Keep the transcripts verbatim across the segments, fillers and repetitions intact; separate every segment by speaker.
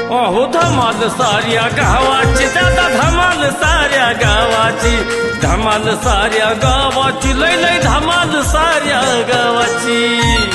Speaker 1: अहो धमाल साऱ्या गावाची दादा धमाल साऱ्या गावाची धमाल साऱ्या गावाची लय लय धमाल साऱ्या गावाची।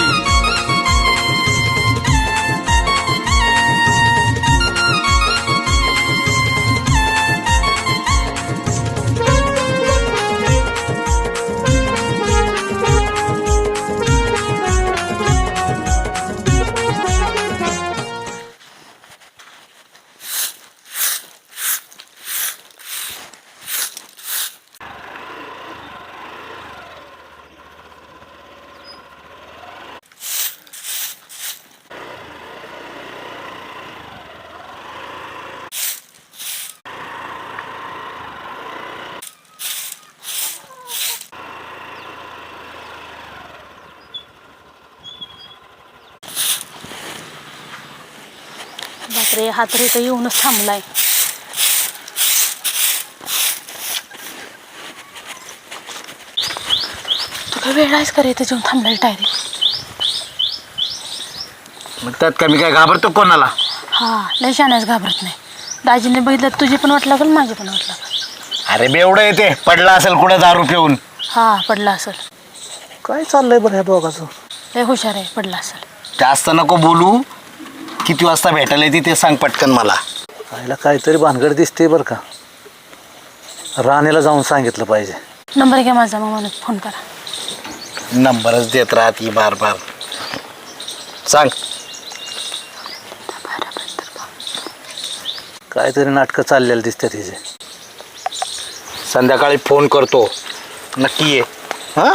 Speaker 2: बापरे, हा तरी तर येऊनच थांबलाय। तुला वेळ आहेस का रे इथे येऊन थांबलाय डायरेक्ट?
Speaker 3: मग त्यात का मी काय घाबरतो कोणाला?
Speaker 2: हा लय शाण्यास घाबरत नाही। दाजीने बघितलं तुझी पण वाट लागल माझी पण वाट लागल।
Speaker 3: अरे बेवढं येते पडला असेल कुठं दारू पिऊन।
Speaker 2: हा पडला असेल।
Speaker 4: काय चाललंय बरं ह्या दोघांचं?
Speaker 2: लय हुशार आहे, पडला असेल।
Speaker 3: जास्त नको बोलू, किती वाजता भेटायला येते ते सांग पटकन मला।
Speaker 4: आईला काहीतरी भानगड दिसते बरं का, राणीला जाऊन सांगितलं पाहिजे।
Speaker 2: नंबर घ्या माझा, मग मला फोन करा।
Speaker 3: नंबरच देत राहती बार बार, सांग।
Speaker 4: काहीतरी नाटकं चाललेलं दिसते तिचे।
Speaker 3: संध्याकाळी फोन करतो, नक्की ये। हा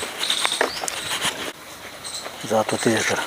Speaker 4: जातो तिच्याकडं।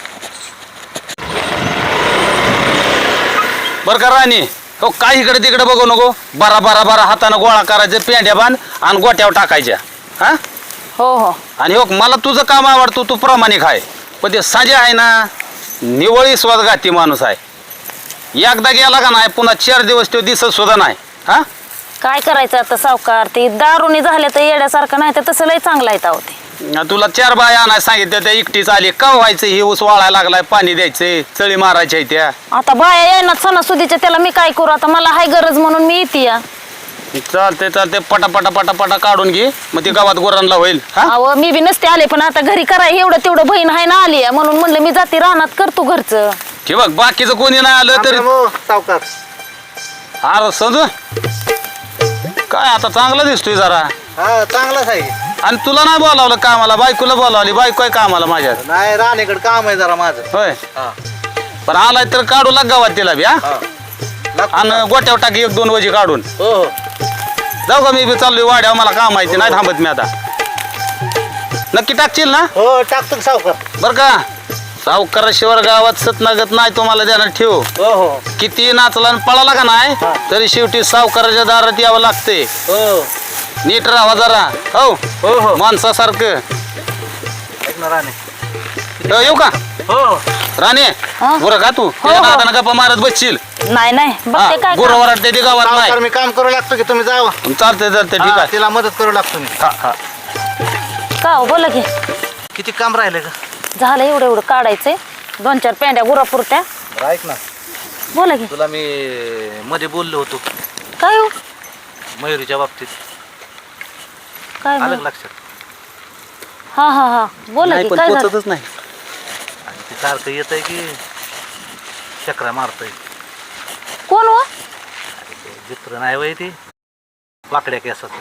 Speaker 5: बर का राणी, हो काय इकडे तिकडे बघू नको, बारा बारा बारा हाताने गोळा करायचे, पेंड्या बांध आणि गोट्यावर टाकायच्या। हा
Speaker 2: हो हो।
Speaker 5: आणि हो मला तुझं काम आवडतो, तू प्रामाणिक आहे, पण ते साजे आहे ना निवळी स्वतःघाती माणूस आहे। एकदा गेला का नाही पुन्हा चार दिवस तो दिसत सुद्धा नाही। हा
Speaker 2: काय करायचं आता सावकार, ते दारूने झाले तर येड्यासारखं नाही तर तसं लय चांगलं आहे ताव ते।
Speaker 5: तुला चार बाया आणाय सांगितलं, त्या एकटीच आली का व्हायचं? हे ऊस वाळायला लागलाय, पाणी द्यायचंय, चळी मारायच्या त्या।
Speaker 2: आता बाया येणार सणासुदीच्या, त्याला मी काय करू? आता मला हाय गरज म्हणून मी येते या।
Speaker 5: चालते चालते, पटा पटा पटा पटा काढून घे, मग ते गावात गोरांना होईल। हा
Speaker 2: अहो मी बी नसते आले, पण आता घरी कराय एवढं तेवढं बहीण आहे ना आली, म्हणून म्हणलं मी जाते रानात करतो घरचं।
Speaker 5: हे बघ बाकीचं कोणी नाही आलं तरी
Speaker 4: सावकार
Speaker 5: अरे समजू काय आता चांगला दिसतोय जरा।
Speaker 4: हा चांगलाच आहे।
Speaker 5: आणि तुला नाही बोलावलं कामाला, बायकोला बोलावली, बायको आहे कामाला माझ्या।
Speaker 4: नाही राणीकडे काम आहे जरा माझं।
Speaker 5: होय
Speaker 4: हा
Speaker 5: पण आलाय तर काढू लाग गावात तिला बी। हा आणि गोट्यावर टाकी एक दोन वजी काढून।
Speaker 4: हो हो
Speaker 5: जाऊ का मी बी चाललोय वाड्यावर, मला काम माहिती नाही थांबत मी आता। नक्की टाकशील ना?
Speaker 4: हो टाकतो सावकार।
Speaker 5: बर का सावकाराशिवाय गावात सतनागत नाही, तुम्हाला ध्यानात ठेव।
Speaker 4: हो हो
Speaker 5: किती नाचला आणि पळाला का नाही तरी शेवटी सावकाराच्या दारात यावं लागते।
Speaker 4: हो
Speaker 5: नीट राहा जरा, हो
Speaker 4: हो हो
Speaker 5: माणसासारखं।
Speaker 4: ऐक ना राणी।
Speaker 5: हो, येऊ का
Speaker 4: हो
Speaker 5: राणे?
Speaker 2: हा?
Speaker 5: बरं का तू
Speaker 2: हो.
Speaker 5: नादानं गप्पा मारत बसशील?
Speaker 2: नाही नाही बघते काय
Speaker 5: गुरु वरडते ते गावात
Speaker 4: सावकार
Speaker 5: नाही।
Speaker 4: मी काम करू लागतो की तुम्ही जावा।
Speaker 5: चालते चालते ठीक
Speaker 4: हा,
Speaker 5: आहे।
Speaker 4: तिला मदत करू लागतो मी।
Speaker 5: हा, हा.
Speaker 2: का हो, बोला की।
Speaker 4: किती काम राहिले का?
Speaker 2: झालं एवढं एवढं काढायचंय, दोन चार पेंड्या गुरापुरत्या।
Speaker 4: बरं ऐक ना,
Speaker 2: बोला की।
Speaker 4: तुला मी मध्ये बोललो होतो
Speaker 2: काय हो?
Speaker 4: मयुरीच्या बाबतीत,
Speaker 2: काय
Speaker 4: आलं
Speaker 2: बोल-
Speaker 4: का लक्षात?
Speaker 2: हा हा हा बोला की, काय झालं?
Speaker 5: नाही।
Speaker 4: आणि ते सारखं येत आहे की चक्रा मारतोय।
Speaker 2: कोण हो?
Speaker 4: मित्र नाही वय ती, वाकड्या केसाचं।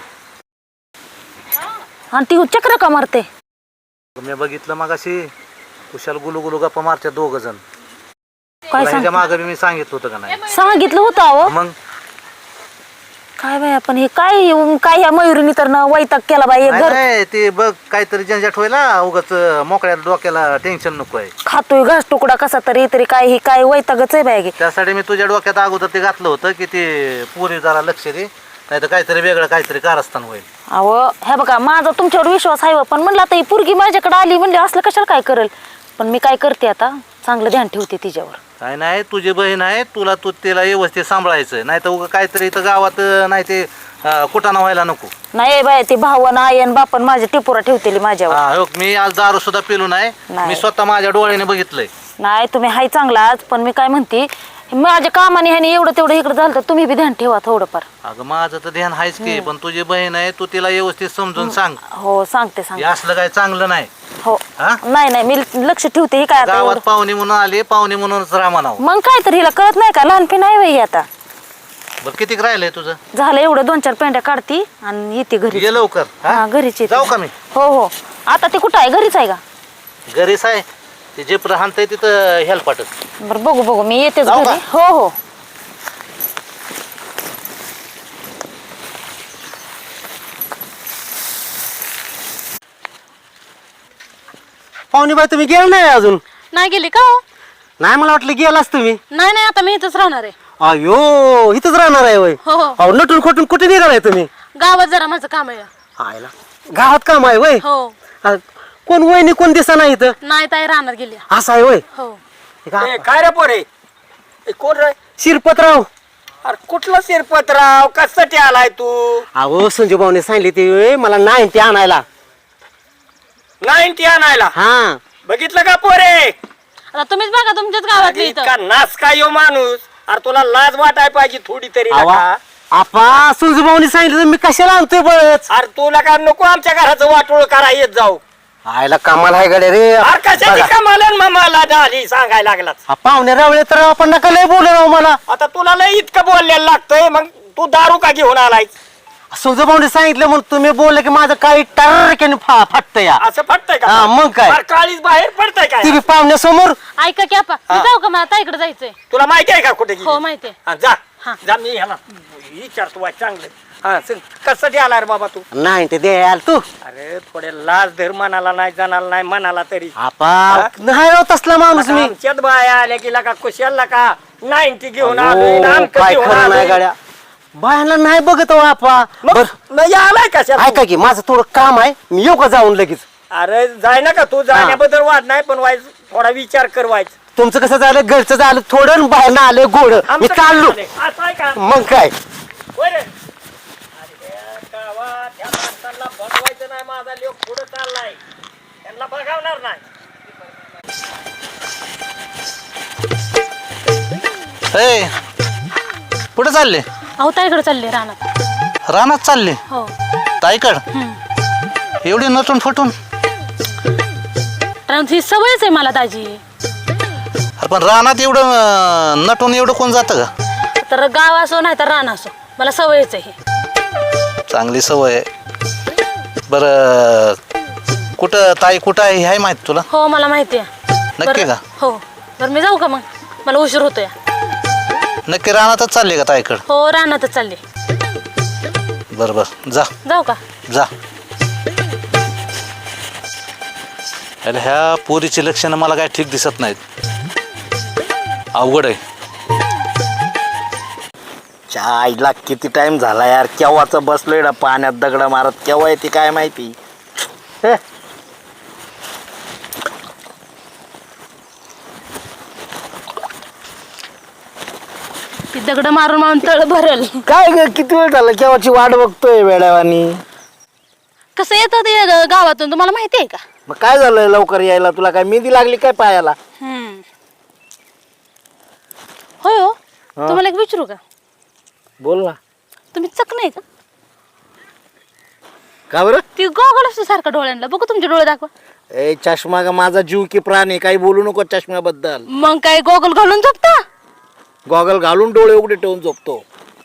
Speaker 2: आणि ती चक्र का मारते?
Speaker 4: मी बघितलं मग अशी कुशाल गुलू गुलू गप्पा मारते दोघ जण।
Speaker 2: काय सांग?
Speaker 4: मागे मी सांगितलं होतं का नाही?
Speaker 2: सांगितलं होतं अहो।
Speaker 4: मग
Speaker 2: काय बाय आपण हे काय काय ह्या मयुरीने तर ना वैताग केला बाई, एक
Speaker 4: नाही,
Speaker 2: घर
Speaker 4: नाही, ते बघ काहीतरी झंझट व्हायला, उगाच मोकळ्या डोक्याला टेन्शन नको आहे।
Speaker 2: खातोय घास तुकडा कसा तरी तरी काय हे काय वैतागच आहे बाई।
Speaker 4: त्यासाठी मी तुझ्या डोक्यात अगोदर ते घातलं होतं की ते पुरी जरा लक्ष दे, नाही तर काहीतरी वेगळं काहीतरी कारस्थान होईल।
Speaker 2: अहो हे बघा माझा तुमच्यावर विश्वास आहे, पण म्हणलं आता ही पोरगी माझ्याकडे आली म्हणजे असलं कशाला काय करेल, पण मी काय करते आता चांगलं ध्यान ठेवते तिच्यावर।
Speaker 4: काय नाही, तुझी बहीण आहे, तुला तू तिला व्यवस्थित सांभाळायचं, नाही तर उगा काहीतरी इथं गावात नाही ते कुटाणा व्हायला नको।
Speaker 2: नाही बाय ते भावन आयन बापन माझ्या टिपोरा ठेवतेली माझ्यावर।
Speaker 4: हा हो, मी आज दारू सुद्धा पिलो नाही,
Speaker 2: नाही.
Speaker 4: मी स्वतः माझ्या डोळ्याने बघितलंय।
Speaker 2: नाही तुम्ही हाय चांगलाच, पण मी काय म्हणते माझ्या कामाने ह्याने एवढं तेवढं इकडे झालं तर तुम्ही बी ध्यान ठेवा थोडंफार.
Speaker 4: अगं माझं तर ध्यान आहेच की, पण तुझी बहीण आहे, तू तिला व्यवस्थित समजून सांग.
Speaker 2: हो सांगते
Speaker 4: हे
Speaker 2: सांगते.
Speaker 4: असलं काय चांगलं नाही.
Speaker 2: हो
Speaker 4: हा?
Speaker 2: नाही नाही मी लक्ष ठेवते. ही काय आता
Speaker 4: गावात
Speaker 2: एवढं-
Speaker 4: पाहुणे म्हणून आले, पाहुणे म्हणूनच राहा म्हणावं.
Speaker 2: मग काय तर हिला कळत नाही का, लहानपी नाही वय आता.
Speaker 4: बरं किती राहिलंय तुझं?
Speaker 2: झालं एवढं दोन चार पेंड्या काढती आणि येते घरी.
Speaker 4: ये लवकर. हा?
Speaker 2: हा घरीच येते.
Speaker 4: जाऊ का मी?
Speaker 2: हो हो. आता ते कुठं आहे, घरीच आहे का?
Speaker 4: घरीच आहे. ते जे राहतंय तिथं हेल्पाट.
Speaker 2: बरं बघू बघू मी येतेच
Speaker 4: जाऊ
Speaker 2: घरी.
Speaker 4: का?
Speaker 2: हो हो.
Speaker 6: पाहुणे बाई तुम्ही गेला नाही अजून?
Speaker 7: नाही गेली का हो?
Speaker 6: नाही मला वाटलं गेलाच तुम्ही.
Speaker 7: नाही नाही आता मी इथंच राहणार आहे.
Speaker 6: अयो इथंच राहणार आहे वय.
Speaker 7: हो हो.
Speaker 6: अहो नटून खोटून कुठे निघालाय तुम्ही?
Speaker 7: गावात जरा माझं काम आहे.
Speaker 6: आयला गावात काम आहे वय.
Speaker 7: हो.
Speaker 6: कोण वयनी कोण दिसा नाही इथं?
Speaker 7: नाही ताई राहणार गेली.
Speaker 6: असं आहे वय.
Speaker 7: हो.
Speaker 8: काय रे पोरे ए, कोण रे?
Speaker 6: शिरपतराव.
Speaker 8: अरे कुठला शिरपतराव, कशासाठी आलाय तू?
Speaker 6: अहो संजू भाऊने सांगितले ते मला नाही ते आणायला.
Speaker 8: नाईन्टी आणायला?
Speaker 6: हा
Speaker 8: बघितलं का पोरे?
Speaker 7: आता तुम्हीच बघा तुमच्याच गावातली
Speaker 8: अरे,
Speaker 7: इथं.
Speaker 8: इतका नास काय यो माणूस. अरे तुला लाज वाटाय पाहिजे थोडी तरी
Speaker 6: आवा
Speaker 8: नका.
Speaker 6: आपा संजू भाऊने सांगितलं तर मी कशाला आणतोय बळच.
Speaker 8: अरे तुला का नको आमच्या घराचं वाटोळ करा येत जाऊ.
Speaker 6: आयला कामाला आहे गड्या रे.
Speaker 8: अरे कशाची
Speaker 6: बघा.
Speaker 8: कमालन मामाला झाली सांगायला लागलाच.
Speaker 6: हा, पाहुणे रावळे तर आपण नका लय बोलू राव मला.
Speaker 8: आता तुला लय इतकं बोलायला लागतंय, मग तू दारू का घेऊन आलाय?
Speaker 6: संजू भाऊने सांगितलं म्हणून तुम्ही बोलले की माझं काही टर्रक्याने फा फाटतं या.
Speaker 8: असं पडतंय का?
Speaker 6: हा, मग काय?
Speaker 8: अरे काळीच बाहेर पडतंय
Speaker 6: ती
Speaker 8: काय?
Speaker 6: बी पाहुण्यासमोर.
Speaker 7: ऐका की आपा मी जाऊ का, मला ताईकडे जायचंय.
Speaker 8: तुला माहिती आहे का कुठे गेली?
Speaker 7: हो माहितीये.
Speaker 8: हा, जा
Speaker 7: हा.
Speaker 8: जा मी ह्याला विचारतो वाय चांगलं. हा सांग, कशासाठी आला रे बाबा तू?
Speaker 6: नाही ते द्याल तू.
Speaker 8: अरे थोडे लाज धर मनाला नाही जाणाला नाही मनाला तरी.
Speaker 6: आपा नाही राव तसला माणूस मी.
Speaker 8: आमच्यात बाया आल्या की का कुशाला का नाईन्टी घेऊन
Speaker 6: अहो,
Speaker 8: आलोय ना आमकं
Speaker 6: काय
Speaker 8: घेऊन
Speaker 6: खरं नाही
Speaker 8: आलोय.
Speaker 6: गाड्या. बायांना नाही बघत हो आपा.
Speaker 8: मग
Speaker 6: बर
Speaker 8: मग या आलाय कशा
Speaker 6: ऐका की माझं थोडं काम आहे, मी येऊ का जाऊन लगेच?
Speaker 8: अरे जाय ना का तू जाण्याबद्दल वाद नाही, पण वाईज थोडा विचार कर वाईज.
Speaker 6: तुमचं कसं झालं, घरचं झालं थोडं, बाहेर आलं गोड. मी
Speaker 8: आमचं
Speaker 6: चाललो.
Speaker 8: काय झालंय? असं आहे का?
Speaker 6: मग काय
Speaker 8: होय रे? अरे गावात ह्या माणसाला बनवायचं नाही, माझा लोक पुढे चाललाय, त्यांना बघावणार नाही.
Speaker 4: ए कुठे चालले?
Speaker 7: अहो ताईकडे चालले राहणार.
Speaker 4: रानात चालले?
Speaker 7: हो.
Speaker 4: ताईकड एवढी नटून फटून?
Speaker 7: कारण ही सवयच आहे मला दाजी.
Speaker 4: अरे पण रानात एवढं अं, नटून एवढं कोण जातं का?
Speaker 7: तर गाव असो नाही तर रान असो मला सवयच आहे ही.
Speaker 4: चांगली सवय आहे. बरं कुठं ताई कुठं आहे हे आहे माहित तुला?
Speaker 7: हो मला माहिती आहे.
Speaker 4: नक्की का?
Speaker 7: हो. बरं मी जाऊ का मग, मला उशीर होतोय.
Speaker 4: नक्की रानातच चालले का ताईकड?
Speaker 7: हो रानातच चालले.
Speaker 4: बरं बरं जा
Speaker 7: जाऊ का?
Speaker 4: जा. अरे ह्या पोरीची लक्षणं मला काय ठीक दिसत नाहीत. अवघड आहे.
Speaker 3: आईला किती टाइम झाला यार, केव्हाच बसलोय ना पाण्यात दगड मारत, केव्हा येते काय माहिती. हे.
Speaker 7: ती दगड मारून मारून तळ भरल.
Speaker 3: काय ग किती वेळ झाला केव्हाची वाट बघतोय वेड्यावानी.
Speaker 7: कसं येतं ते ग- गावातून तुम्हाला माहिती आहे का?
Speaker 3: मग काय झालं लवकर यायला, तुला काय मेहंदी लागली काय पायाला?
Speaker 7: हम्म. होय हो. तुम्हाला एक विचारू का?
Speaker 3: बोल ना.
Speaker 7: तुम्ही चक नाही का?
Speaker 3: का बरं?
Speaker 7: ती गॉगल असतो सारखा डोळ्यांना, बघू तुमचे डोळे दाखवा.
Speaker 3: ए चष्मा का माझा जीव की प्राण आहे, काही बोलू नको चष्म्याबद्दल.
Speaker 7: मग काय गॉगल घालून झोपता?
Speaker 3: गॉगल घालून डोळे उघडे ठेवून झोपतो,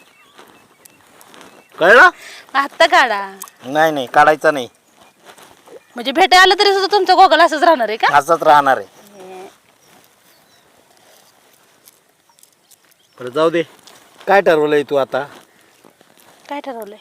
Speaker 3: कळलं?
Speaker 7: आत्ता काढा.
Speaker 3: नाही नाही काढायचा नाही.
Speaker 7: म्हणजे भेटायला आलं तरी सुद्धा तुमचा गॉगल असंच राहणार आहे का?
Speaker 3: असंच राहणार आहे. बरं जाऊ दे, काय ठरवलंय तू आता?
Speaker 7: काय ठरवलंय?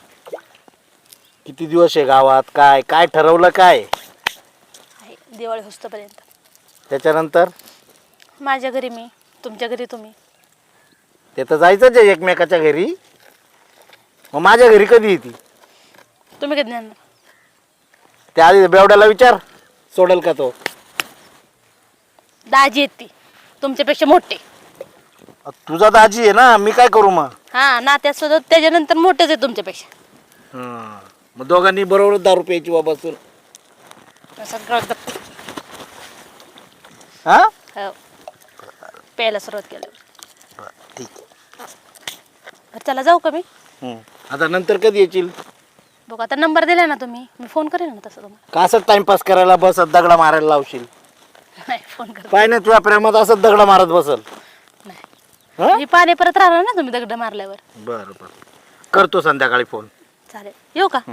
Speaker 3: किती दिवस आहे गावात, काय काय ठरवलं काय?
Speaker 7: आहे, दिवाळी होस्तपर्यंत.
Speaker 3: त्याच्यानंतर
Speaker 7: माझ्या घरी मी, तुमच्या घरी तुम्ही.
Speaker 3: ते तर जायचंच आहे एकमेकाच्या घरी. मग माझ्या घरी कधी येते?
Speaker 7: तुम्ही कधी नेणार?
Speaker 3: त्या आधी बेवड्याला विचार, सोडल का तो?
Speaker 7: दाजी आहेत ती तुमच्यापेक्षा मोठे.
Speaker 3: तुझा दाजी आहे ना, मी काय करू मग?
Speaker 7: हा नात्यात सुद्धा त्याच्यानंतर मोठेच आहे तुमच्यापेक्षा.
Speaker 3: हं. मग दोघांनी बरोबर दारू प्यायची वा बसून.
Speaker 7: सगळं गप्प.
Speaker 3: हा
Speaker 7: हो. प्यायला सुरुवात केली.
Speaker 3: ठीक
Speaker 7: बरं चला जाऊ का मी
Speaker 3: आहे. आता नंतर कधी येशील?
Speaker 7: बघू आता नंबर दिला ना तुम्ही मी फोन करेन ना तसं तुम्हाला
Speaker 3: का असं टाइमपास करायला बसत दगडा मारायला लावशील?
Speaker 7: नाही फोन कर
Speaker 3: पाय नाही तुझ्या प्रेमात असं दगडा मारत बसल.
Speaker 7: नाही मी पाणी परत राहणार ना तुम्ही दगड मारल्यावर.
Speaker 3: बरं बरं करतो संध्याकाळी फोन.
Speaker 7: चालेल येऊ का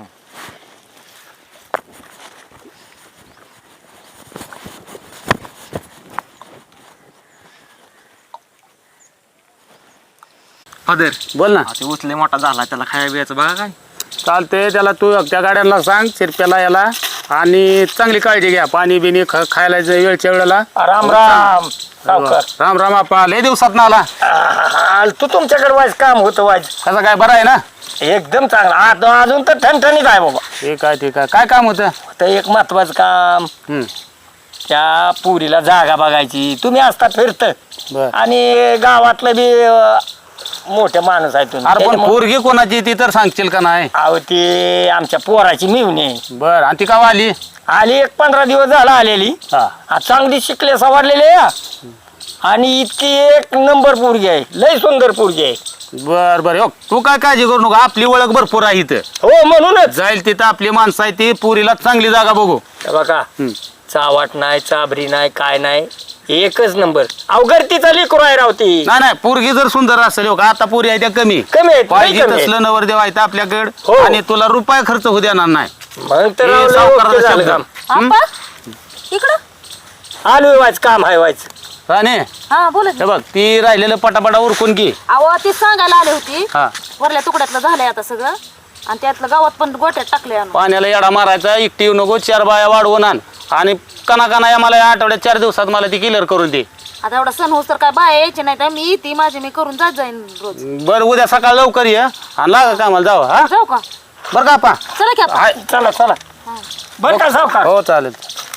Speaker 6: फादर
Speaker 5: बोल ना.
Speaker 6: ते उचले मोठा झाला त्याला खाया बियाचं बघा काय.
Speaker 5: चालते त्याला तू त्या गाड्यांना सांग शिरप्याला याला आणि चांगली काळजी घ्या पाणी बिनी ख- खायला जे वेळच्या वेळेला.
Speaker 8: राम राम सावकार.
Speaker 5: राम राम आपा लय दिवसात ना आला.
Speaker 8: आल तू तुमच्याकडे वाज काम होतं वाज
Speaker 5: कसं काय बरं आहे ना?
Speaker 8: एकदम चांगला आता अजून तर ठणठणीत आहे बाबा.
Speaker 5: ठीक आहे ठीक आहे काय काम होतं?
Speaker 8: तर एक महत्वाचं काम
Speaker 5: हम्म,
Speaker 8: त्या पुरीला जागा बघायची. तुम्ही असता फिरत
Speaker 5: बर.
Speaker 8: आणि गावातलं बी अं, मोठे माणूस आहे तुम्ही.
Speaker 5: अरे पण
Speaker 8: त्याच्यामुळं-
Speaker 5: पोरगी कोणाची ती तर सांगशील का नाही?
Speaker 8: अहो ती आमच्या पोराची मिळून आहे.
Speaker 5: बर आणि ती का आली?
Speaker 8: आली एक पंधरा दिवस झाला आलेली.
Speaker 5: हा
Speaker 8: आ, चांगली शिकले सवरलेली आहे आणि इतकी एक नंबर पोरगी आहे. लय सुंदर पोरगी आहे.
Speaker 5: बर बर हो तू काय काळजी करू नका आपली ओळख भरपूर आहे इथं.
Speaker 8: हो म्हणूनच
Speaker 5: जाईल तिथं आपली माणसं आहे ती पुरीला चांगली जागा बघू.
Speaker 8: हे बघा
Speaker 5: हम्म.
Speaker 8: चावाट नाही चाबरी नाही काय नाही एकच नंबर. अवघडतीचा लेकरू आहे रावती.
Speaker 5: नाही नाही पोरगी जर सुंदर असेल हो का आता पोरी आहे त्या कमी
Speaker 8: कमी आहेत, लय
Speaker 5: पाहिजे
Speaker 8: कमी आहेत.
Speaker 5: तसलं नवरदेव आहे तर आपल्याकडे
Speaker 8: हो.
Speaker 5: आणि तुला रुपया खर्च होऊ देणार नाही.
Speaker 8: मग तर
Speaker 5: हे
Speaker 8: राव, लय
Speaker 5: सावकाराचा
Speaker 8: ओके झालं
Speaker 5: शब्द.
Speaker 8: काम.
Speaker 5: हम्म?
Speaker 2: आपा इकडं
Speaker 8: आलोय वाच काम आहे वाच.
Speaker 5: राणे
Speaker 2: हा बोला की.
Speaker 5: हे बघ ती राहिलेलं पटापटा उरकून की.
Speaker 2: अहो ती सांगायला आली होती
Speaker 5: हा
Speaker 2: वरल्या तुकड्यातलं झालंय आता सगळं आणि त्यातलं गावात पण गोट्यात टाकले आणून.
Speaker 5: पाण्याला येडा मारायचा एकटी येऊ नको चार बाया वाढवून आण आणि कना कना या मला या आठवड्यात चार दिवसात मला ती क्लिअर करून दे.
Speaker 2: आता एवढा सण होस तर काय बाय यायची नाही तर मी ती माझी मी करून जात जाईन रोज.
Speaker 5: बरं उद्या सकाळ लवकर ये आणि लागा कामाला जाऊ हा
Speaker 2: जाऊ का
Speaker 5: बरं का आपा?
Speaker 2: चला की आपा.
Speaker 5: हाय.
Speaker 8: चला चला बरं का सावकार.
Speaker 5: हो चालेल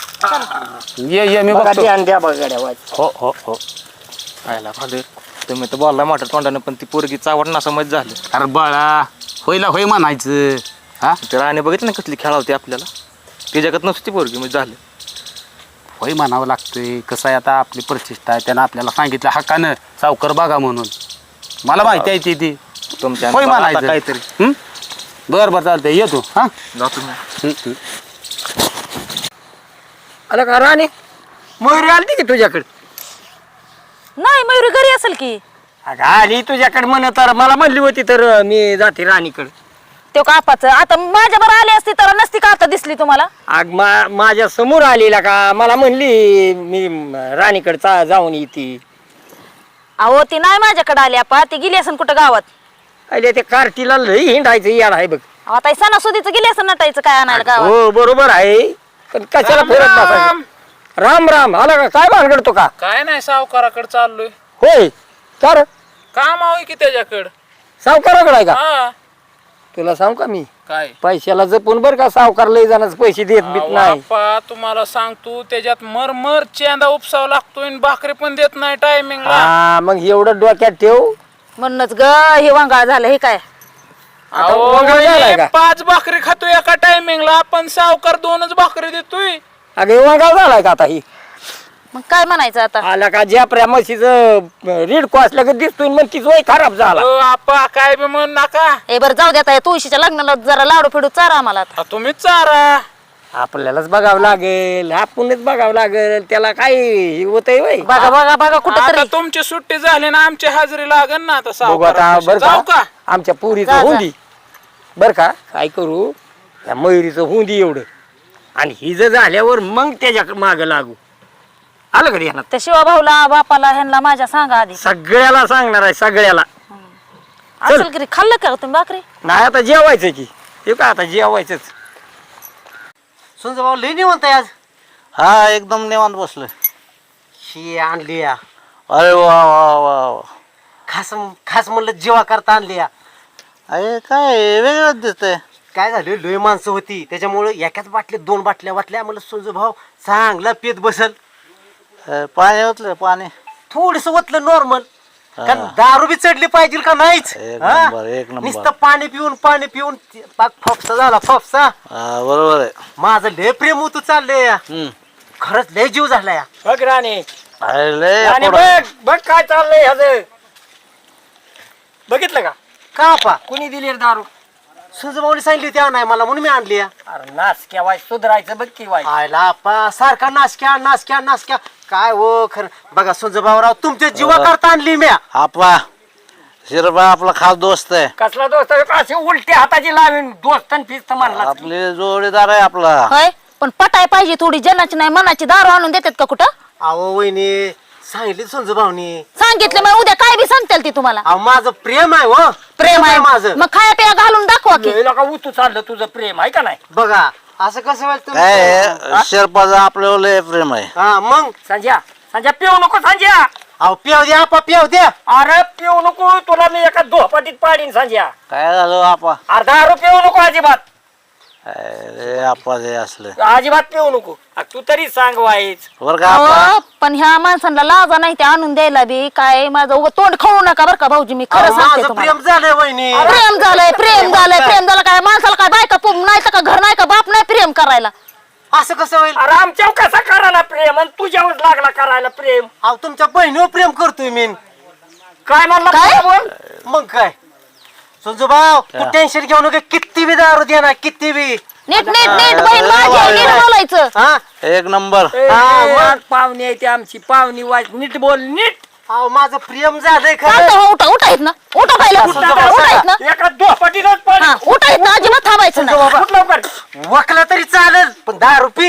Speaker 5: ये ये मी
Speaker 8: बघा
Speaker 5: बघतो.
Speaker 8: ध्यान द्या बघा गाड्या वाच.
Speaker 5: हो हो हो
Speaker 6: आयला फादर तुम्ही तर बोलला मोठ्या तोंडानं पण ती पोरगी चावट ना समज झाली.
Speaker 5: अरे बाळा होईला होय म्हणायचं हा
Speaker 6: ते राणे बघितलं ना कसली खेळावती आपल्याला ती जगात नसती पोरगी म्हणजे झालं.
Speaker 5: होय म्हणावं लागतंय कसं आहे आता आपली प्रतिष्ठा आहे त्यानं आपल्याला सांगितलं हक्कानं सावकर बघा म्हणून मला माहिती आहे ती ती
Speaker 6: तुमच्या
Speaker 5: होय
Speaker 6: आता
Speaker 5: म्हणायचं
Speaker 6: काहीतरी
Speaker 5: हं? बरं बरं चालतंय ये तू हा
Speaker 6: जा तुम्ही.
Speaker 5: हं, हं.
Speaker 8: आलं का राणे मयुरी आलती की तुझ्याकडे?
Speaker 2: नाही मयुरी घरी असेल की.
Speaker 8: अगं आली तुझ्याकडे म्हण तर मला म्हणली होती तर अं, मी जाते राणीकडे.
Speaker 2: तो का आपाचं आता माझ्या बरं आली असती तर नसती का आता दिसली तुम्हाला.
Speaker 8: अग मा माझ्या समोर आलेला का मला म्हणली मी राणीकडे चा जाऊन येते.
Speaker 2: अहो ती नाही माझ्याकडे आली आपा ती गेली असेल कुठं गावात.
Speaker 8: अरे ते कार्टीला लई हिंडायचं याड आहे बघ.
Speaker 2: अहो, आता सणासुदीचं गेली असं नटायचं काय आणायला गावात.
Speaker 8: हो बरोबर आहे पण कशाला फिरत बसायचं. राम राम आला का काय भानगडतो का?
Speaker 9: काय नाही सावकाराकडे चाललोय.
Speaker 8: होय तर
Speaker 9: काम आहे की त्याच्याकडं.
Speaker 8: सावकाराकडे आहे का?
Speaker 9: हा
Speaker 8: तुला सांग का मी
Speaker 9: काय
Speaker 8: पैशाला जपून बर का सावकार लई जाण्याच पैसे देत बीत नाही.
Speaker 9: बाप्पा तुम्हाला सांगतो त्याच्यात मरमर चेंदा उपसावा लागतोय आणि भाकरी पण देत नाही टायमिंगला.
Speaker 8: हा मग एवढं डोक्यात ठेव.
Speaker 2: म्हणूनच ग हे वांगाळ झालं हे काय.
Speaker 8: आता वगैरे झालाय का?
Speaker 9: पाच भाकरी खातोय एका टायमिंगला आपण सावकार दोनच भाकरी देतोय.
Speaker 8: अगं वांगाळ झालाय का आता ही?
Speaker 2: मग काय म्हणायचं आता.
Speaker 8: आला का ज्या म्हशीचं रिडको असल्या का दिसतोय मग तिचं वय खराब झाला.
Speaker 9: अहो, आप्पा काय बी म्हणू नका.
Speaker 2: हे बरं जाऊ द्या तुळशीच्या लग्नाला जरा लाडू फिडू चारा आम्हाला आता.
Speaker 9: आ, तुम्हीच चारा.
Speaker 8: आपल्यालाच बघावं लागेल आपणच बघावं लागेल त्याला काय होतंय वय.
Speaker 2: बघा बघा बघा कुठं
Speaker 9: आता
Speaker 2: तरी.
Speaker 9: तुमची सुट्टी झाली ना आमची हाजरी लागेल ना आता
Speaker 8: बघू आता
Speaker 9: सावकारापाशी.
Speaker 8: बर
Speaker 9: जाऊ
Speaker 8: का
Speaker 9: का
Speaker 8: आमच्या पुरीचं
Speaker 2: जा, जा.
Speaker 8: हुंदी बर का काय करू त्या मयुरीचं हुंदी एवढं आणि हि जर झाल्यावर मग त्याच्या माग लागू. आलं का ध्यानात?
Speaker 2: त्या शिवा भाऊला बापाला ह्यांना माझ्या सांगा आधी.
Speaker 8: सगळ्याला सांगणार आहे सगळ्याला.
Speaker 2: असेल की रे, खाल्लं का तुम्ही भाकरी.
Speaker 8: नाही आता जेवायचं की हे का आता जेवायचंच.
Speaker 6: सुंज भाऊ लई निवंत आज.
Speaker 4: हा एकदम निवांत बसलोय.
Speaker 6: शी आणली या
Speaker 4: अरे वा वा वा वा.
Speaker 6: खास खास म्हणलं जेवा करता आणली या.
Speaker 4: अरे काय वेगळंच दिसतंय.
Speaker 6: काय झालं लय माणसं होती त्याच्यामुळे एकाच बाटलीत दोन बाटल्या वाटल्या म्हणलं सुंजू भाऊ चांगला पेत बसल.
Speaker 4: अ, पाणी ओतलं पाणी.
Speaker 6: थोडस ओतलं नॉर्मल कारण दारू बी चढली पाहिजे का नाहीच.
Speaker 4: एक
Speaker 6: हा?
Speaker 4: नंबर, एक नंबर.
Speaker 6: नुसतं पाणी पिऊन पाणी पिऊन पाक फॉक्सा झाला फॉक्सा.
Speaker 4: हा, बरोबर आहे.
Speaker 6: माझं लय प्रेम होतं चाललंय या.
Speaker 4: हम्म.
Speaker 6: खरंच लय जीव झाला या. बघ राणे
Speaker 4: अरे लय
Speaker 6: राणे
Speaker 4: पुढं.
Speaker 6: बघ बघ काय चाललंय ह्याचं.
Speaker 8: बघितलं का
Speaker 6: का आपा
Speaker 8: कुणी दिली रे दारू
Speaker 6: सुजभाऊनी सांगितली होती आणाय मला म्हणून मी आणली या.
Speaker 8: अरे नाच केवाय सुधरायचं बघ की वाय
Speaker 6: आयला आपा सारखा नासक्या नासक्या नासक्या काय हो खरं बघा सुजभाऊराव तुमच्या जीवा करता आणली म्या.
Speaker 4: आपा शिरबा आपला खास दोस्त आहे.
Speaker 8: कसला दोस्त अशी उलट्या हाताची लावीन दोस्तान फिस्त म्हणला
Speaker 4: आपले जोडीदार आहे आपला.
Speaker 2: होय पण पटाय पाहिजे थोडी जनाची नाही मनाची दारू आणून देतात का कुठं
Speaker 6: अहो वहिनी सांगितली सुजभाऊनी.
Speaker 2: सांगितलं मग उद्या काय बी सांगतील ती तुम्हाला
Speaker 6: अहो माझं प्रेम आहे हो
Speaker 2: प्रेम आहे
Speaker 6: माझं.
Speaker 2: मग खाया पिया घालून दाखवा की
Speaker 8: लय नका उतू चाललं तुझं प्रेम आहे का नाही
Speaker 6: बघा असं कसं व्हायचं
Speaker 4: काय
Speaker 6: तुम्ही?
Speaker 4: आहे, शिरपाचं आपल्यावर लय प्रेम आहे.
Speaker 6: हा मग
Speaker 8: संजय संजय पिऊ नको संजय
Speaker 6: अहो पियाव द्या आपा पियाव द्या.
Speaker 8: अरे पिऊ नको तुला मी एका दोहपाटीत पाडीन संजय
Speaker 4: काय झालं आपा?
Speaker 8: अर्धा दारू पिऊ नको अजिबात
Speaker 4: अरे आपा हे असलं
Speaker 8: अजिबात पिऊ नको आ, तू तरी सांग वाईच
Speaker 4: बरं का आपा?
Speaker 2: अहो, पण ह्या माणसांना लाजा नाही ते आणून द्यायला बी काय माझं उगाच तोंड खाऊ नका बरं का भाऊजी मी खरं
Speaker 6: अहो,
Speaker 2: सांगते
Speaker 6: माझं
Speaker 2: तुम्हाला
Speaker 6: प्रेम झालंय वहिनी.
Speaker 2: प्रेम झालंय प्रेम झालंय प्रेम झालं काय माणसाला काय बायका पुम नाही तर का घर नाही का बाप नाही प्रेम करायला
Speaker 6: असं कसं होईल?
Speaker 8: अरे आमच्यावर कसा करायला प्रेम आणि तुझ्यावर लागला करायला प्रेम
Speaker 6: अहो तुमच्या बहिणीवर प्रेम करतोय मी.
Speaker 8: काय म्हणला
Speaker 2: काय?
Speaker 8: तुला बोल?
Speaker 6: मग काय संजूभाऊ तू टेन्शन घेऊ नका किती बी दारू दे ना किती बी.
Speaker 2: नीट नीट नीट बहीण माझी आहे, नीट बोलायचं
Speaker 6: हा
Speaker 4: एक नंबर.
Speaker 8: ए,
Speaker 6: हा, मग.
Speaker 8: पाहुणी आहे ती आमची पाहुणी वाईट नीट बोल नीट
Speaker 6: अहो माझं प्रेम झालंय खरं.
Speaker 2: चालतं हो, उठा उठा येत ना उठा पहिला उठा येत ना
Speaker 8: एका दोहपाटीतच पाडी
Speaker 2: हा उठा येत ना अजिबात थांबायचं नाही
Speaker 8: उठ लवकर
Speaker 6: वकला तरी चालेल पण दारू पी.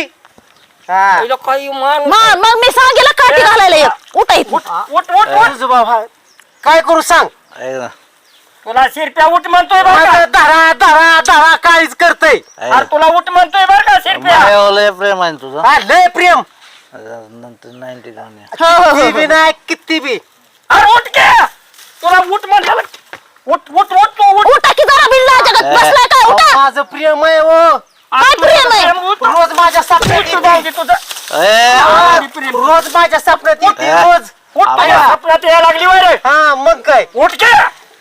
Speaker 6: हा
Speaker 8: तुला काही मान
Speaker 2: मग मग मी सांगेल काठी घालायला एक उठा येत
Speaker 8: उठ उठ उठ उठ
Speaker 6: संजूभाऊ हा. काय करू सांग.
Speaker 4: ऐक ना.
Speaker 8: तुला शिरप्या उठ म्हणतोय बरं का?
Speaker 6: माझं धरा धरा धरा काळीच करतय.
Speaker 4: ऐक
Speaker 8: अरे तुला उठ म्हणतोय बरं का
Speaker 4: ना.
Speaker 8: शिरप्या
Speaker 4: माझ्यावर लय प्रेम आहे ना तुझं.
Speaker 6: हा लय प्रेम.
Speaker 4: नंतर नाईन्टी घेऊन ये.
Speaker 2: हो हो
Speaker 6: किती
Speaker 2: हो
Speaker 6: बी नाही किती बी.
Speaker 8: अरे उठ के तुला उठ म्हणलं उठ उठ उठ तू उठ
Speaker 2: उठा की जरा बिल्ला जगत बसलाय काय
Speaker 6: अहो,
Speaker 2: उठा
Speaker 6: माझं प्रेम आहे हो.
Speaker 2: काय प्रेम आहे
Speaker 8: उठ.
Speaker 6: रोज माझ्या स्वप्नात
Speaker 8: उठ
Speaker 6: येते.
Speaker 8: भाऊजी तुझं
Speaker 4: ए,
Speaker 6: हा,
Speaker 8: उठ प्रेम.
Speaker 6: रोज माझ्या स्वप्नात येते
Speaker 4: उठ.
Speaker 6: रोज.
Speaker 8: उठ माझ्या
Speaker 6: हा.
Speaker 8: स्वप्नात यायला लागली वर
Speaker 6: हा मग काय.
Speaker 8: उठ के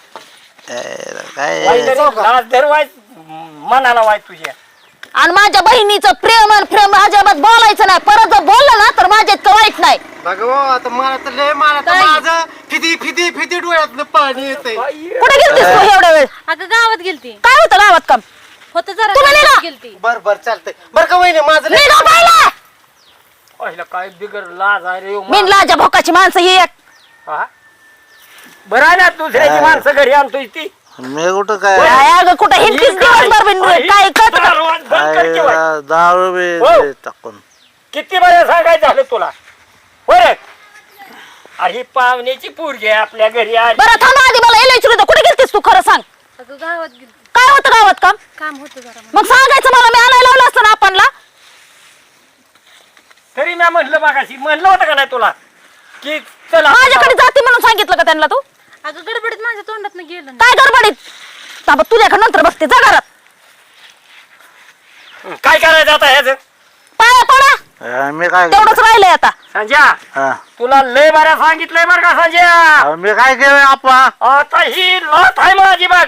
Speaker 4: ए, काय
Speaker 8: लाज धर वाय मनाला वाय तुझ्या
Speaker 2: आणि माझ्या बहिणीचं प्रेम आणि प्रेम अजिबात बोलायचं नाही परत जर बोललं ना तर माझ्या इतकं वाईट नाही
Speaker 6: बघ हो, आता मला तर लय मला तर
Speaker 2: काय?
Speaker 6: माझं फिदी फिदी फिदी डोळ्यातलं पाणी येतंय.
Speaker 2: कुठे गेलतीस तू एवढ्या वेळ
Speaker 7: अगं गावात गेलती
Speaker 2: काय होतं गावात काम
Speaker 7: होतं जरा
Speaker 2: तुम्ही निघा.
Speaker 7: गावात गेलती
Speaker 6: बर बर चालतंय बर का वहिनी माझं लय-
Speaker 2: निघा पहिला
Speaker 8: पहिलं काय बिगर लाज आहे रे
Speaker 2: बिनलाच्या भोकाची माणसं ही एक
Speaker 8: हा? बरं आहे ना दुसऱ्याची माणसं घरी आणतोय ती
Speaker 4: मी कुठं काय
Speaker 2: काय अगं कुठं हिंडतीस दिवसभर बिन काय कळत का?
Speaker 8: दारू बंद कर की वाय.
Speaker 4: काय दारू बी
Speaker 8: हो.
Speaker 4: ते टाकून
Speaker 8: किती बरं सांगायचं झालं तुला बरं अरे ही पाहुण्याची पोरगी आहे आपल्या घरी आली
Speaker 2: बरं थांबा आधी मला एल विचारू कुठे गेलतीस तू खरं सांग
Speaker 7: अगं गावात गेलती
Speaker 2: काय होतं गावात काम
Speaker 7: काम होतं जरा
Speaker 2: मग सांगायचं मला मी आणायला लावलं असतं ना आपणला
Speaker 8: तरी मी म्हणलं मागाशी म्हणलं होतं का नाही तुला की चला
Speaker 2: माझ्याकडे जाते म्हणून सांगितलं का त्यांना तू
Speaker 7: अगं गडबडीत माझ्या तोंडात गेलं नाही.
Speaker 2: काय गडबडीत थांबा तुझ्याकडे नंतर बघते जा घरात
Speaker 8: काय करायचं आता ह्याच
Speaker 2: पाया पडा
Speaker 4: ए, मी काय
Speaker 2: तेवढंच राहिलंय आता
Speaker 8: संजय
Speaker 4: हा.
Speaker 8: तुला लय बऱ्या सांगितलंय बरं का संजय
Speaker 4: अहो, मी काय केलं आपा?
Speaker 8: आता ही लाथ आहे माझी बघ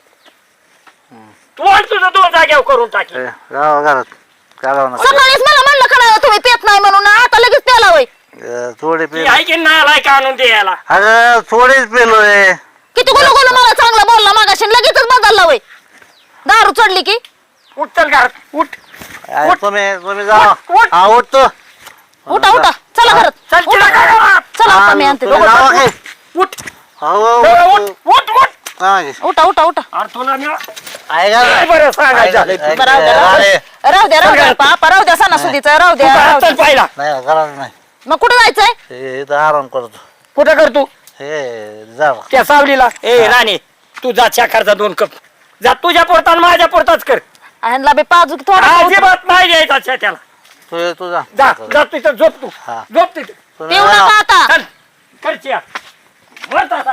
Speaker 8: तू आणि तुझं दोन जाग्यावर करून टाकी
Speaker 4: ए, गावा घरात घालव ना.
Speaker 2: सकाळीच मला म्हणलं का नाही तुम्ही पेत नाही म्हणून आता लगेच प्याला होय
Speaker 4: ए, थोडी
Speaker 8: ती
Speaker 4: पे
Speaker 8: आहे की नालाय का आणून द्यायला
Speaker 4: अगं थोडीच पेलोय.
Speaker 2: किती गुलू गुलू मला चांगला बोलला मागाशी लगेचच बदलला होय दारू चढली की
Speaker 8: उठ चल घरात उठ
Speaker 4: अरे,
Speaker 8: उठ.
Speaker 4: तुम्ही तुम्ही जा
Speaker 8: उठ, उठ.
Speaker 4: हा उठतो.
Speaker 2: उठा उठा चला घरात
Speaker 8: चल तिला काय घरात?
Speaker 2: चला
Speaker 4: हा,
Speaker 2: आता मी आणते
Speaker 4: तुम्ही जावा की.
Speaker 8: उठ
Speaker 4: हो, हो,
Speaker 8: जरा
Speaker 4: हो.
Speaker 8: उठ उठ उठ
Speaker 4: हा, की.
Speaker 2: उठा उठा उठा
Speaker 8: अरे तुला मी
Speaker 4: ऐका
Speaker 8: लय
Speaker 4: ना.
Speaker 8: बरं सांगायचं झालंय
Speaker 4: ऐका,
Speaker 8: तुला.
Speaker 2: बरं, राहू द्या राहू
Speaker 4: अरे,
Speaker 2: द्या राहू द्या राहू द्या पापा राहू द्या सणासुदीचं राहू
Speaker 8: तू
Speaker 2: द्या राहू
Speaker 8: घरात
Speaker 2: द्या.
Speaker 8: चल पाहिला
Speaker 4: नाही घरात नाही
Speaker 2: मग कुठे जायचंय
Speaker 4: हे इथं आराम करतो.
Speaker 8: कुठं कर तू
Speaker 4: हे जा
Speaker 8: त्या सावलीला ए राणे तू जा साखरचा दोन कप जा तुझ्या पुरता आणि माझ्या पुरताच कर
Speaker 2: ह्यांना बी पाजूक थोडा
Speaker 8: अजिबात नाही द्यायचा त्याला
Speaker 4: तू तू जा
Speaker 8: जा जा तिथं झोप तू
Speaker 4: हा.
Speaker 8: झोप तिथं
Speaker 4: तुम्ही
Speaker 2: पिऊ
Speaker 4: जा.
Speaker 2: नका आता
Speaker 8: चल करची मरता आता.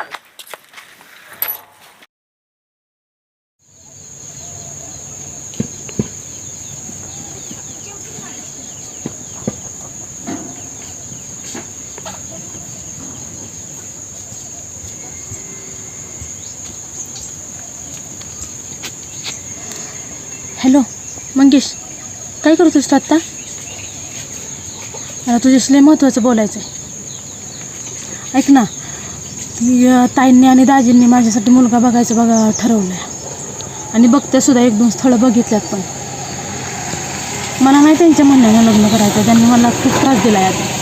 Speaker 7: हॅलो मंगेश काय करतोस तू आत्ता मला तुझ्याशी लय महत्त्वाचं बोलायचं आहे ऐक ना ती अं, ताईंनी आणि दाजींनी माझ्यासाठी मुलगा बघायचं बघा ठरवलं आहे आणि बघते सुद्धा एक दोन स्थळं बघितल्यात. पण मला नाही त्यांच्या म्हणण्यानं लग्न करायचं. त्यांनी मला खूप त्रास दिला आहे आता.